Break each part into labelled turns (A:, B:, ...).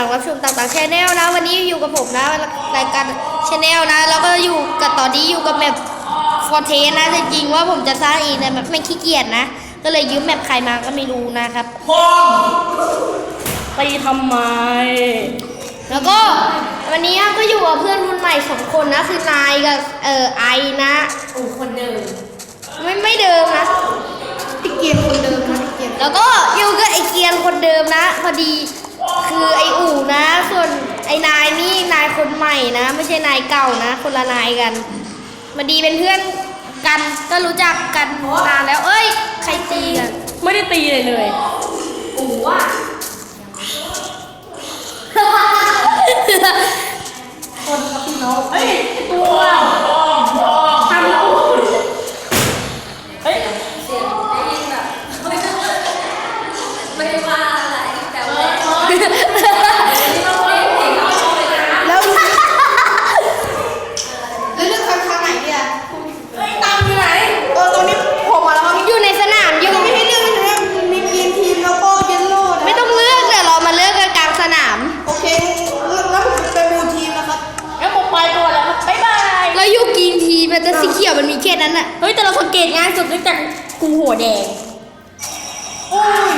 A: งรับชมต่างๆชแนลนะวันนี้อยู่กับผมนะรายการชแนลนะแล้วก็อยู่กับตอนนี้อยู่กับแมปฟอร์เทสนะจริงๆว่าผมจะสร้างเองนะแบบไม่ขี้เกียจนะก็เลยยืมแมปใครมาก็ไม่รู้นะครับ
B: ไปทำไม
A: แล้วก็วันนี้ก็อยู่กับเพื่อนรุ่นใหม่2 คนนะคือนายกับไอนะ
B: คนเดิม
A: ไม่เดิมนะ
B: พี่เกียร์คนเดิมนะพี่เกียร์
A: แล้วก็อยู่กับไอเกียร์คนเดิมนะพอดีคือไออู่นะส่วนไอนายนี่นายคนใหม่นะไม่ใช่นายเก่านะคนละนายกันมาดีเป็นเพื่อนกันก็รู้จักกันนานแล้วเอ้ยใครตีกัน
B: ไม่ได้ตีเลย
A: อู่ว่า
B: คนกับพี่น้องเฮ้ยตัวทำแล้วเฮ้ย
A: เสียงได้ยินแบบไม่ได้ว่าอะไรแต่ว่าแล้ว
B: เลือกทางไหนเนี่ยตามอยู่ไหนตรงนี้ผมมาแล้วครับ
A: อยู่ในสนามอยู่
B: ไม่ให้เลือกเลยมีทีมแล้วก็เยลโล่
A: ไม่ต้องเลือกเดี๋ยวเรามาเลือกกันกลางสนาม
B: โอเคแล้วผมจะเป็นบูทีมนะครับแล้วผมไปก่อนแล้วครับบ๊ายบาย
A: แล้วอยู่กีนทีมันจะสีเขียวมันมีแค่นั้นอะ
B: เฮ้ยแต่เราสังเกตง่ายสุดเนื่องจากกูหัวแดงโอ้ย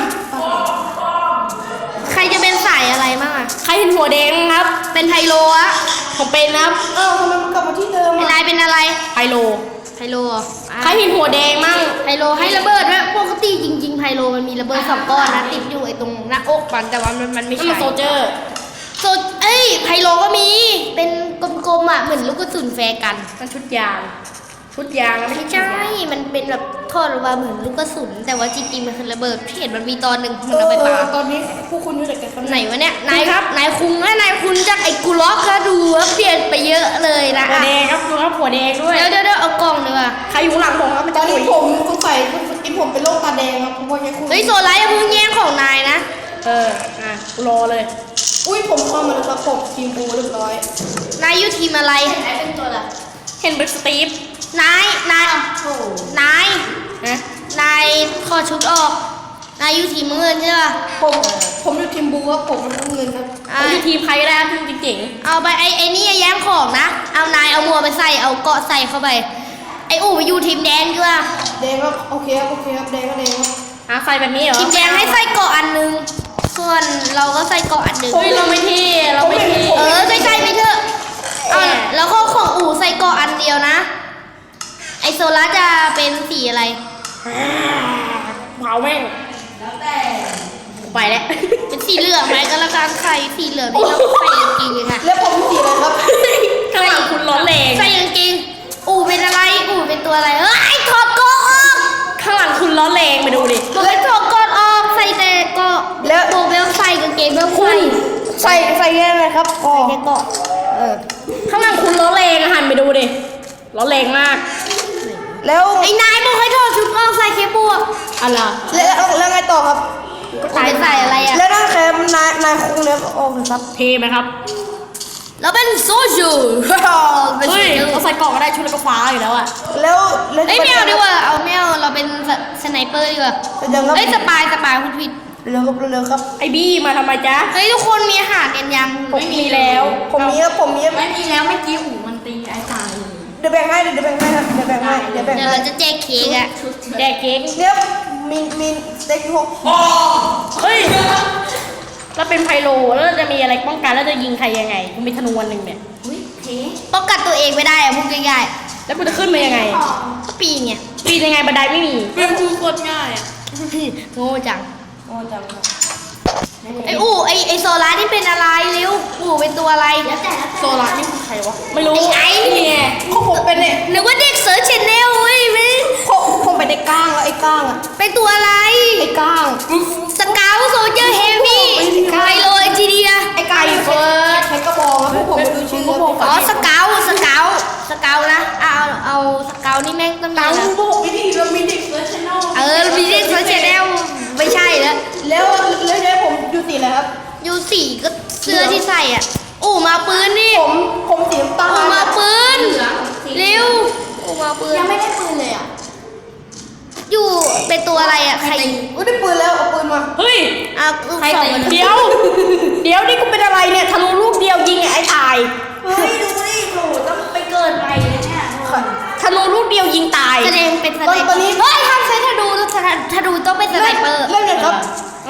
A: ใครจะเป็นสายอะไรบ้างอะ
B: ใครเห็นหัวแดงครับ
A: เป็นไฮโลอะ
B: ผมเป็นครับทำไมมันกลับมาที่เดิม
A: นายเป็นอะไร
B: ไฮโลใครเห็นหัวแดงมั่ง
A: ไฮโลให้ระเบิดด้วยปกติจริงๆไฮโลมันมีระเบิด2 ก้อนนะติดอยู่ไอ้ตรงหน้าอกมันแต่ว่ามันไม่ใช่
B: โซเจอร์
A: ไฮโลก็มีเป็นกลมๆอะเหมือนลูกกระสุนแฟร์กัน
B: มันชุดยางแล้ว
A: ไม่ใช่มันเป็นแบบทอดออกมาเหมือนลูกกระสุนแต่ว่าจริงๆมันคือระเบิดเห็นมันมีตอนหนึ่งมันเอาไปปา
B: ตอนนี้พวกคุณอยู่กัน
A: ไหนวะเนี่ยนายครับนายคุงนายคุณจากไอ้กูล็อกก็ดูว่าเปลี่ยนไปเยอะเลยนะ
B: หัวแดงครับดูครับหัวแดงด้วย
A: เดี๋ยวเอากล่องดีกว่า
B: ใครอยู่หลังผมครับตอนนี้ผมสงสัยผมเป็นโรคตาแดงครับเพราะ
A: เฮ้ยโซล่าอย่าเพิ่งแย่งของนายนะ
B: รอเลยอุ้ยผมเข้ามาแล้วครับผมทีมบูเรียบร้อย
A: นายอยู่ทีมอะไรเป็นตัวอะไร
B: เห็นเป็นสตีฟ
A: นายถอดชุดออกนายอยู่ทีมเงินใช่ป่ะ
B: ผมอยู่ทีมบูครับผมเป็นเงินครับผมอยู่ทีมใครก็ได้ทีมเจ๋ง
A: เอาไปไอ้นี่แย่งของนะเอานายเอามัวไปใส่เอาเกาะใส่เข้าไปไอ้อู่ไปอยู่ทีมแดงด้วย
B: แดงครับโอเคครับแดงก็แดงครับใส่แบบนี้เหรอ
A: ทีมแดงให้ใส่เกาะอันนึงส่วนเราก็ใส่เกาะอันนึง
B: เฮ้ยเราไม่เท่
A: ใส่ไปเถอะแล้วก็ของอู่ใส่เกาะอันเดียวนะไอโซล่าจะเป็นสีอะไร
B: เผาแม่ง
A: แล้วแต่
B: ไปแล้ว
A: เป็นสีเหลืองไหมก็แล้วกันใส่สีเหลืองนี่เราใส่กางเกงค่ะ
B: แล้วผมสีอะไรครับข้างหลังคุณร้อนแรง
A: ใส่กางเกงอู่เป็นอะไรอู่เป็นตัวอะไรถอดเกาะออก
B: ข้างหลังคุณร้อนแรงไปดูดิ
A: บอกให้ถอดเกาะออกใส่แต่เกาะแล้วโบเบลใส่กางเกงเบล
B: ใส่แค่ไหนครับ
A: ใส่แค่เกาะ
B: ข้างหลังคุณร้อนแรงหันไปดูดิร้อนแรงมาก
A: แล้วไอ้นายบอกให้ถอดชุดออกใส่เคปวก
B: อะไรแล้วไงต่อครับ
A: ใส่อะไรอ่ะ
B: แล้วนั่นแค่นายคงเนี้ยโอ้ครับเทไหมครับ
A: เราเป็นโซจู
B: เฮ้ยเราใส่กล่องก็ได้ชุดแล้วก็ฟ้าอยู่แล้วอ่ะแล้ว
A: ไม่เอาดีกว่าเอาไม่เอาเราเป็นสไนเปอร์ดีกว่าสปายคุณผิด
B: เร็วครับไอบี้มาทำไมจ๊ะ
A: เฮ้ยทุกคนมีอาหารกันยัง
B: ผมมีแล้วผมมี
A: ไม่มีแล้วเมื่อกี้หูมันตีไอ้ตาย
B: เดี๋ยวแบ่งให้ครับเดี๋ยว
A: เราจะแจกเค้กอะ
B: แจกเค้กเนี่ยมีสเต็กพวกเฮ้ยเราเป็นไพโลแล้วจะมีอะไรป้องกันแล้วจะยิงใครยังไงกูมีธนูวันหนึ่งเนี่ย
A: ป้องกันตัวเองไม่ได้อะพูดง่าย
B: ๆแล้วกูจะขึ้นมายังไง
A: ก็ปีนไง
B: ปีนยังไงบันไดไม่มี
A: เป็นกูโคตรง่ายอะโง่จังไออู่ไอโซล่านี่เป็นอะไรเร็วอู่เป็นตัวอะไร
B: โซล่านี่คือใครวะไม่รู้
A: ไอ้นี่ไง
B: ผมเป็นเนี่ย
A: นึกว่าเด็กเสิร์ชแชนแนลเว้ย
B: ผมเป็นไอ้ก้างแล้วไอ้ก้างอะ
A: เป็นตัวอะไร
B: ไอ้ก้าง
A: สเกลโซเจอร์เฮฟวี่ไฮโลเอจีเดีย
B: ไอ้ไก่เฟิร์สใช้กระบอกแล้วผมดูชื่อ
A: สเกลนะเอาสเกลนี่แม่งต้องมี
B: นะบอกไม่ดีเรามีเด็กเสิร์ชแชนแนล
A: มีเด็กเสิร์ชแชนแนลไม่ใช่
B: แล้วผมอยู่สีอะไรครับ
A: อยู่สีก็เสื้อที่ใส่อ่ะอู่มาปืนนี่
B: ผมสีน้ำตาล
A: มาปืนเร็วอู่มาปืน
B: ยังไม่ได้ปืนเลยอ่ะ
A: อยู่เป็นตัวอะไรอ่ะใคร
B: ได้ปืนแล้วเอาปืนมาเฮ้ย
A: ใคร
B: เดี๋ยวนี่กูเป็นอะไร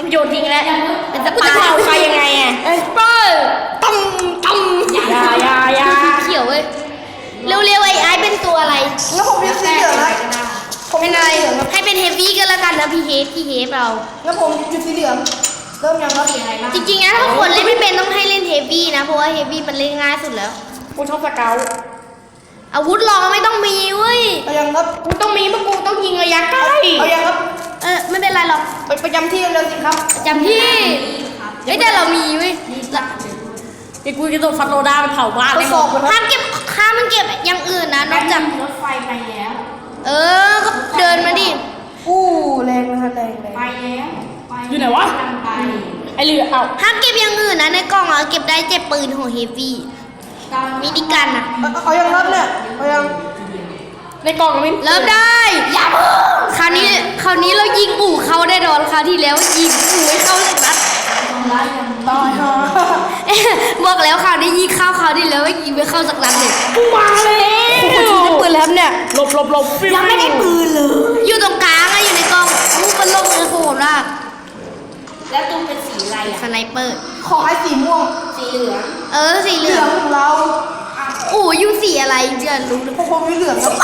B: โยนทิ้งแล้ว
A: เป็นส
B: กู
A: ปา
B: จะเอาไปยังไงอ่ะ
A: เอสเปอร์ตั้มตั้ม
B: อย่า
A: เขียวเว้ยเร็วๆไอ้เป็นตัวอะไร
C: แล้วผมยังสีเหลืองนะผม
A: เป็นอะไรให้เป็นเฮฟวี่ก็แล้วกันนะพี่เฮฟเรา
C: แล้วผมอยู่สีเหลืองเริ่มยังครับสีอะไรบ้าง
A: จริงๆนะถ้าคนเล่นไม่เป็นต้องให้เล่นเฮฟวี่นะเพราะว่าเฮฟวี่มันเล่นง่ายสุดแล้ว
B: กูชอบสเกล
A: อาวุธรองไม่ต้องมีเว้ย
C: เอายังครับ
B: กูต้องมีเพราะกูต้องยิงระยะใกล้
C: เอายังครับ
A: ไม่เป็นไรหรอก
C: ไปประจำที่เร็วๆสิครับ
A: จำที่เอ้ยแต่เรามีเว้ย
B: เดี๋ยวกูจะโดนฟันโลดาไปเผาบ้าน
C: ท
B: เล
C: ด
B: ย
C: สอบกันครับ
A: ห้ามเก็บอย่างอื่นนะนอกจาก
D: รถไฟไปแล้ว
A: ก็เดินมาดิ
C: อู้แรงนะครับแรง
D: ไปแล้วไป
B: อยู่ไหนวะ
D: กำลังไป
B: ไอเรือเอา
A: ห้ามเก็บอย่างอื่นนะในกล่องเก็บได้เจ็บปืนของเฮฟวี่
D: ตอน
A: มินิกันอะ
C: เอายังครับเนี่ยเอายัง
B: ในกล่องมัน
A: เริ่มได้อย่าเพิ่งคราวนี้เรายิงอู่เข้าได้ดอนคราวที่แล้วยิงอู่ไม่เข้าเลยนะ
D: ทำร้ายกัน
C: ตายฮะ
A: บอกแล้วคราวนี้ยิงเข้าคราวที่แล้วยิงไม่เข้าสักนัดเลย
B: กูมาเลย
C: คุณชูได้ปืนแล้วครับเนี่ย
B: หลบ
C: ยังไม่ได้ปืนเลย
A: อยู่ตรงกลางอะอยู่ในกล่องลูกมันลงเลยโหดมาก
D: แล้วตุ้มเป็นสีอะไร
A: ส
D: อ่ะ
A: ไนเปอร์
C: ขอให้สีม่วง
D: สีเหลือง
A: สีเห
C: เห
A: ลื
C: ลื
A: อ
C: อง งของเรา
A: อู่อยู่สีอะไรเจือนรู้ดิ
C: พวกผมมีเหลืองครับ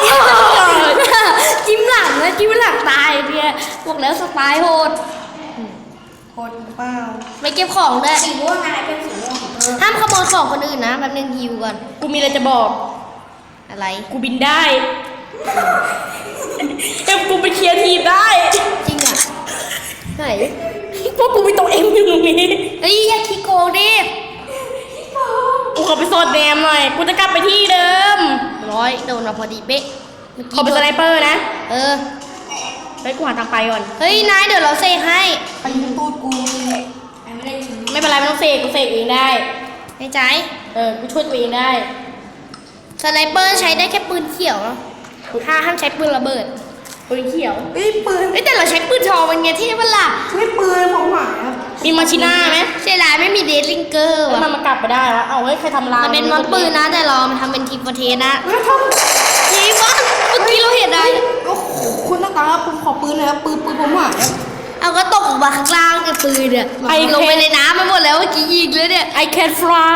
A: จิ้มหลังนะจิ้มหลังตายเนี่ยบอกแล้วสไตล์โหด
C: โคตรเปล่า
D: Ờ.
A: ไม่เก็บของด้วย
D: สีม่วงอะไรเป็นสีม่วง
A: ห้ามขโมยของคนอื่นนะแป๊บนึงฮิวก่อน
B: กูมีอะไรจะบอก
A: อะไร
B: กูบินได้เอ็มกูไปเคลียร์ทีมได้
A: จริงอ่ะไหน
B: พวกกูมีตัวเอ็มอยู่ตรงนี้
A: เฮ้ยอย่าขี้โกงดิ
B: กูขอไปโซดแนมหน่อย กูจะกลับไปที่เดิม
A: โดนมาพอดีเป๊ะเมื่อ
B: ขอ
A: กี้
B: เป็นสไนเปอร์นะ
A: เออ
B: ไปกูหาทางไปก่อน
A: เฮ้ยนายเดี๋ยวเราเซกให้
C: ไปยิงตูดกู
D: ไอ้ไม่ได้ทิ้ง
B: ไม่เป็นไรไม่ต้องเสกกูเสกเองได้
A: ในใจ
B: กูช่วยตัวเองได้
A: สไนเปอร์ใช้ได้แค่ปืนเขียวเนอะห้ามใช้ปืนระเบิด
B: ปืนเขียว
C: เฮ้ยปืน
A: เฮ้ยแต่เราใช้ปืนทองเป็นไงเท่ปะล่ะ
C: ไม่ปืนผมหายครับ
B: มีมาชิน่าไหม
A: เสียดายไม่มีเดทลิงเกอร์
B: แล้ว
A: ว่ะ
B: มันกลับไปได้วะเอาเฮ้ยใครทำลาย
A: มันเป็นมอนปืนนะแต่เรามันทำเป็นทีมประเทศนะ
C: ไม่ท
A: ทีมอนเมื่อกี้เราเห็นอะไร
C: ำโอ้โหคุณตาตาครับผมขอปืนเลยครับปืนผมหายครับ
A: เอาก็ตกออกมาข้างล่างกับปืนเนี่ยลงไปในน้ำมาหมดแล้วเมื่อกี้ยิงเลยเนี่ย
B: ไอแคนฟลาย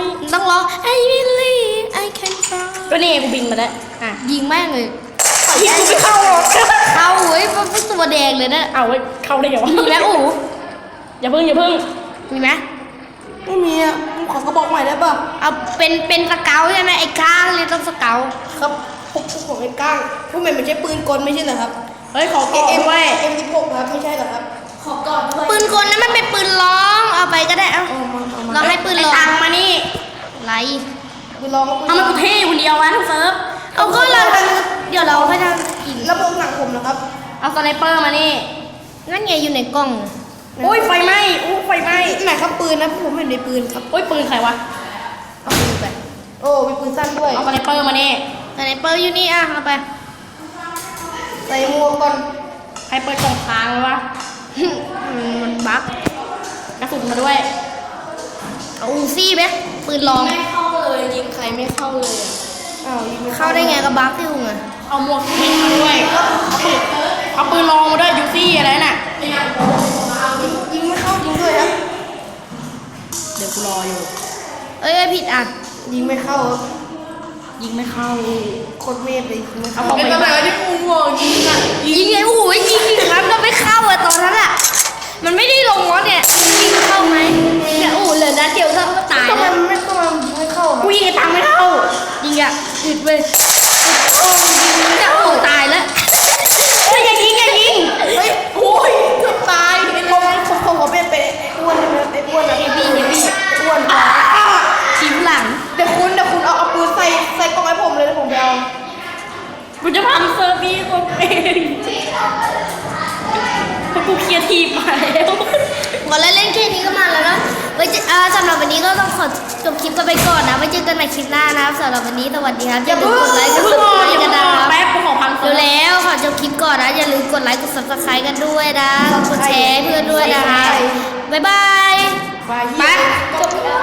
A: ต้องร้อง I believe I can fly
B: ก็นี่ไงกูบินมาแล้วอ่ะ
A: ยิงแม่งเลย
B: ยิงกูไม่เข้าหรอก
A: เข้าเว้ยเป็นตัวแดงเลยนะ
B: เอาไว้ยเข้าได้ไงวะ
A: มีไหมอู๋
B: อย่าเพิ่ง
A: มีไหม
C: ไม่มีอ่ะผมขอกระบอกใหม่ได้ป่ะ
A: เอาเป็นสเกลใช่ไหมไอ้ก้างเลยต้องสเกล
C: ครับผมของไอ้ก้างพวกมันไม่ใช่ปืนกลไม่ใช่เหรอครับ
B: เฮ้ยขอเก็บ
C: เอ็ม
B: ไว้
C: M16 ครับไม่ใช่เหรอครับ
D: ขอก่อนด้วย
A: ปืนกลนั้นมันเป็นปืนร้องเอาไปก็ได้เอา
C: เอามา
A: เราให้ปืน
B: ไอ้
A: ร้อง
B: ตังมานี่
A: ไร
C: ปืนลองปืน
B: ทำไมกูเท่คนเดียววะทุกเซิร์ฟ
A: เอาก็เราเดี๋ยวเราให้ทำอีก
C: ระบบหนังผมนะครับ
B: เอาสไนเปอร์มานี่
A: นั่นไงอยู่ในกล่อง
B: โอ้ยไฟไหม้อู้ไฟไหม้
C: ไหนครับปืนนะผมเห็นในปืนครับ
B: โอ้ยปืนใครวะ
A: เอาปืนไป
C: โอ้มีปืนสั้นด้วย
B: เอาสไนเปอร์มานี่
A: สไนเปอร์อยู่นี่อ่ะเอาไป
C: ใส่หมวกก่อน
B: ใครเปิดกล่องค้างไว้วะ
A: มันบั๊ก
B: กระสุนมาด้วย
A: เอาอูซี่ไหมปืนร้อง
D: ไม่เข้าเลยยิงใครไม่เข้าเลยอ่ะ
C: อ้าวยิงม่
A: เข้าได้ไงกับบั๊กที่หุงอ่ะ
B: เอาหมวกเห็นมาด้วยเอาปืนลองมาด้วยยูซี่อะไรน่ะ
C: ยิงไม่เข้าจริงด้วยครับ
B: เดี๋ยวกูรออยู่
A: เอ้ยผิดอ่ะ
C: ยิงไม่เข้าครับ
B: ยิงไม่เข้า
C: โคตรเมธเลยยิงไม่
B: เอา
C: เข้า
B: ของไปบ้าน
C: ที่กูบอกยิงอ่ะ
A: ยิงไงโอ้ยยิงอีกครั้งก็ไม่เข้าอะตอนนั้นอะมันไม่ได้ลงวะเนี่ยยิงเข้าไหมเนี่ยโอ้เหลือนัดเดียวก็ตาย
C: ทำไม
A: แล้ว
C: มันไม่เข้าครับ
B: กูยิงไอ้ตังไม่เข้า
A: ยิงอะหยุดไปโอ้ยิงเนี่ยโอ้ตายแล้ว
B: เฮ้ยอย่ายิงอย่ายิง
C: เฮ้ยโอ้ยเกือบตายผมขอเป็นไอ้อ้วนนะไอ้อ้วนนะไอ้บี้อ้วน
A: ทีมหลัง
C: เดี๋ยวคุณเอาปืนใส่กล่องให้ผมเลยแล้วผมไปเอา
B: กูจะพังเซิร์ฟนี้ตัวเองเพราะกูเคลียร์ทีมมาแล้ว
A: ก่อนเล่นแค่นี้ก็มาแล้วนะไว้เจอสำหรับวันนี้ก็ต้องขอจบคลิปกันไปก่อนนะไว้เจอกันใหม่คลิปหน้านะครับสำหรับวันนี้สวัสดีครับอย่าลืมกดไลค์กด
B: เพิ่ง
A: ซับ
B: ร
A: ส
B: อ
A: ไคร
B: อย่า
A: ต์กัน
B: เพิ่ง
A: นะ
B: รอ
A: ครับ
B: แป๊บกูขอพังเซิ
A: ดู
B: ร์ฟ
A: แล้วขอจบคลิปก่อนนะอย่าลืมกดไลค์กด subscribe กันด้วยนะกดแชร์ให้เพื่อนด้วยนะคะบ๊ายบาย
C: ไป
A: ไป
C: จบ